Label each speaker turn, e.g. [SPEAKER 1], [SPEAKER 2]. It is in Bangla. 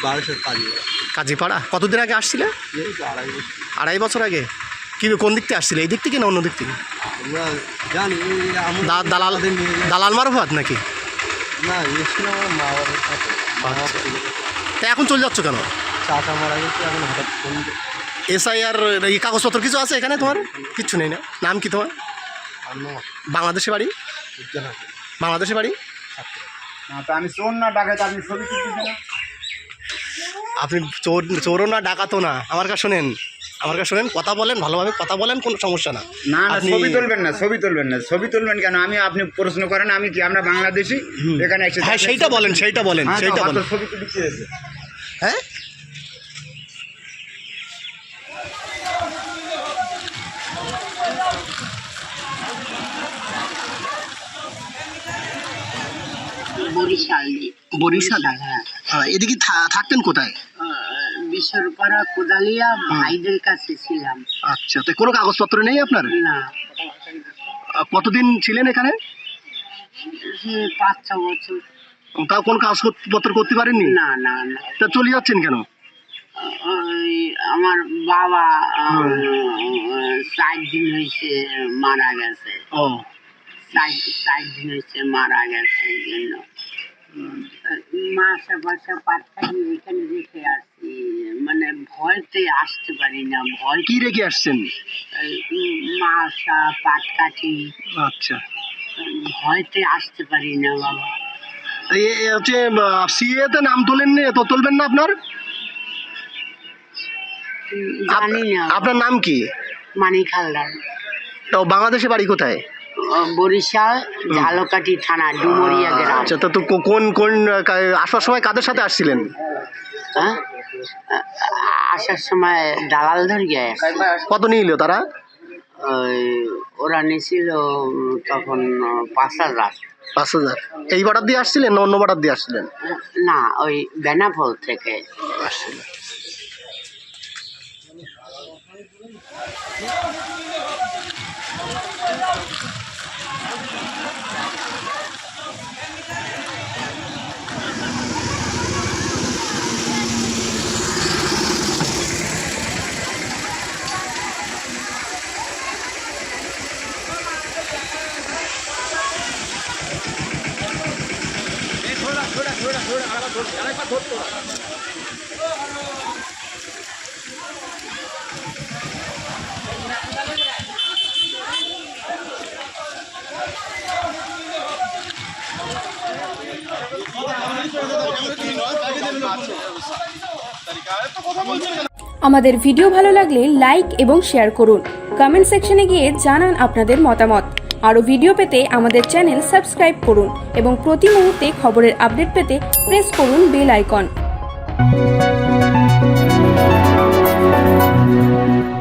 [SPEAKER 1] বারাসাত
[SPEAKER 2] কাজীপাড়া। কতদিন আগে আসছিলে? 2.5 বছর আগে। কি কোন দিক থেকে আসছিলে, এই দিক থেকে না অন্য দিক থেকে?
[SPEAKER 1] আমরা জানি
[SPEAKER 2] দালাল মারফত নাকি?
[SPEAKER 1] না, এসেছিলাম আমার মা বাবার সাথে।
[SPEAKER 2] তা এখন চলে যাচ্ছ কেন?
[SPEAKER 1] চাচা মারা গেছে, এখন হঠাৎ ফোন।
[SPEAKER 2] SIR এই কাগজপত্র কিছু আছে এখানে? তোমার কিচ্ছু নেই না? নাম কি তোমার? বাংলাদেশে বাড়ি? বাংলাদেশে বাড়ি?
[SPEAKER 1] আমি চোর না ডাকাত, আপনি ছবি তুলতেছেন না?
[SPEAKER 2] আপনি চোরও না ডাকাতও না। আমার কাছে শোনেন, কথা বলেন, ভালোভাবে কথা বলেন, কোনো সমস্যা না।
[SPEAKER 3] না না, ছবি তুলবেন না, ছবি তুলবেন কেন? আপনি প্রশ্ন করেন আমি কি আমরা বাংলাদেশি এখানে এসে?
[SPEAKER 2] হ্যাঁ, সেইটা বলেন।
[SPEAKER 3] ছবি তুলতে হয়েছে।
[SPEAKER 2] হ্যাঁ, বরিশাল। এদিকে থাকতেন কোথায়?
[SPEAKER 4] বিশ্বরপাড়া কোদালিয়া ভাইদের কাছে ছিলাম।
[SPEAKER 2] আচ্ছা, তো কোনো কাগজপত্র নেই আপনার?
[SPEAKER 4] না।
[SPEAKER 2] কতদিন ছিলেন এখানে?
[SPEAKER 4] 5-6 বছর।
[SPEAKER 2] তাও কোনো কাগজপত্র করতে পারেননি?
[SPEAKER 4] না না না।
[SPEAKER 2] তা চলে যাচ্ছেন কেন?
[SPEAKER 4] আমার বাবা 4 দিন হয়েছে মারা গেছে।
[SPEAKER 2] ও,
[SPEAKER 4] 4 দিন হয়েছে মারা গেছে, এই জন্য মাসা বাসা পাটকাঠি এখানে রেখে আসছি। মানে ভয়তে আসতে পারি না। ভয়
[SPEAKER 2] কি রেখে আসছেন?
[SPEAKER 4] মাসা পাটকাঠি।
[SPEAKER 2] আচ্ছা,
[SPEAKER 4] ভয়তে আসতে পারি না বাবা।
[SPEAKER 2] হচ্ছে সিএতে নাম তোলেননি, তো তুলবেন না আপনার?
[SPEAKER 4] জানি না।
[SPEAKER 2] আপনার নাম কি?
[SPEAKER 4] মানিক হালদার।
[SPEAKER 2] তো বাংলাদেশে বাড়ি কোথায়?
[SPEAKER 4] বরিশাল ঝালকাঠি থানা, ডুমুরিয়া গ্রাম।
[SPEAKER 2] আচ্ছা, তো কোন আসার সময় কাদের সাথে আসছিলেন?
[SPEAKER 4] হ্যাঁ, আসার সময় দালাল ধরিয়ে।
[SPEAKER 2] কত নিল তারা?
[SPEAKER 4] ওরা নিয়েছিল তখন 5,000।
[SPEAKER 2] 5,000। এই বাটার দিয়ে আসছিলেন না অন্য বাটার দিয়ে আসছিলেন?
[SPEAKER 4] না, ওই বেনাপোল থেকে
[SPEAKER 2] আসছিলেন।
[SPEAKER 5] আমাদের ভিডিও ভালো লাগলে লাইক এবং শেয়ার করুন। কমেন্ট সেকশনে গিয়ে জানান আপনাদের মতামত। আরও ভিডিও পেতে আমাদের চ্যানেল সাবস্ক্রাইব করুন এবং প্রতি মুহূর্তে খবরের আপডেট পেতে প্রেস করুন বেল আইকন।